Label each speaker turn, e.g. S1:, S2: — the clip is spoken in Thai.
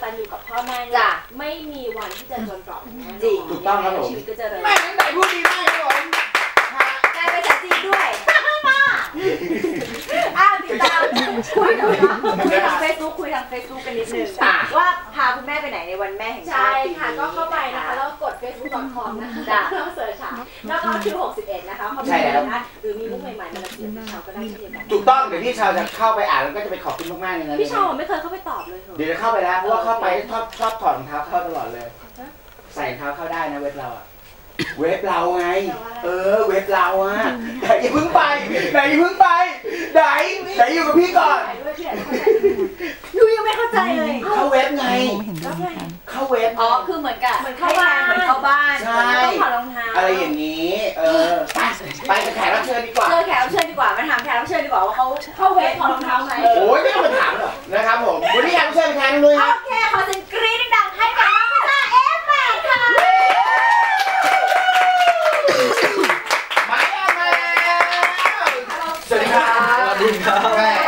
S1: นอยู่กับพ่อแม่เนี่ยไม่มีวันที่จะจนตรอกแน่นอน
S2: ถูกต้องครับผม
S1: ชีวิตก็จะเริญ
S2: แม่ไหนพูดดีมากครับผม
S1: กลายเป็นภาษาจีนด้วยติดตามคุยทางเฟซบุ๊กกันนิดนึงว่าพาคุณแม่ไปไหนในวันแม่แห่งชาติใช่ค่ะก็เข้าไปนะคะแล้วกด facebook.com นะคะแล้วเสิร์ชหาแล้วก็คิว61นะคะเข้าไปนะหรือมีมุกใหม่ๆมาเสนอพี่เชาก็ได้เช่นเดียวกัน
S2: ถูกต้องเดี๋ยวพี่เชาจะเข้าไปอ่านแล้วก็จะไปขอบคุณมากๆเลยนะ
S1: พี่เชาไม่เคยเข้าไปตอบเลย
S2: เดี๋ยวจะเข้าไปแล้วเพราะว่าเข้าไปชอบถอดรองเท้าเข้าตลอดเลยใส่รองเท้าเข้าได้นะเว็บเราอะเว็บเราไงเว็บเราอะไหนอย่าเพิ่งไปไหนอยู่กับพี่ก่อน
S1: ยูยังไม่เข้าใจเลย
S2: เข้าเว็บไงเข้าเว็บ
S1: คือเหมือนเข้าบ้าน
S2: ใช่
S1: ต้องถอดรองเท้า
S2: อะไรอย่างนี้ไปกับแขกรับเชิญดีกว่า
S1: แขกรับเชิญดีกว่ามาถามแขกรับเชิญดีกว่าว่าเขาเข้าเว็บถอดรองเท้าไหม
S2: โอ้ยไม่ต้องมาถามหรอกนะครับผมวันนี้แขกรับเชิญแทนเลย
S1: โอเคขอเสียงกรี๊ดดังให้กับน้องพิซซ่าF8ค่ะ
S2: สวัสดีครับสวัสดีครับ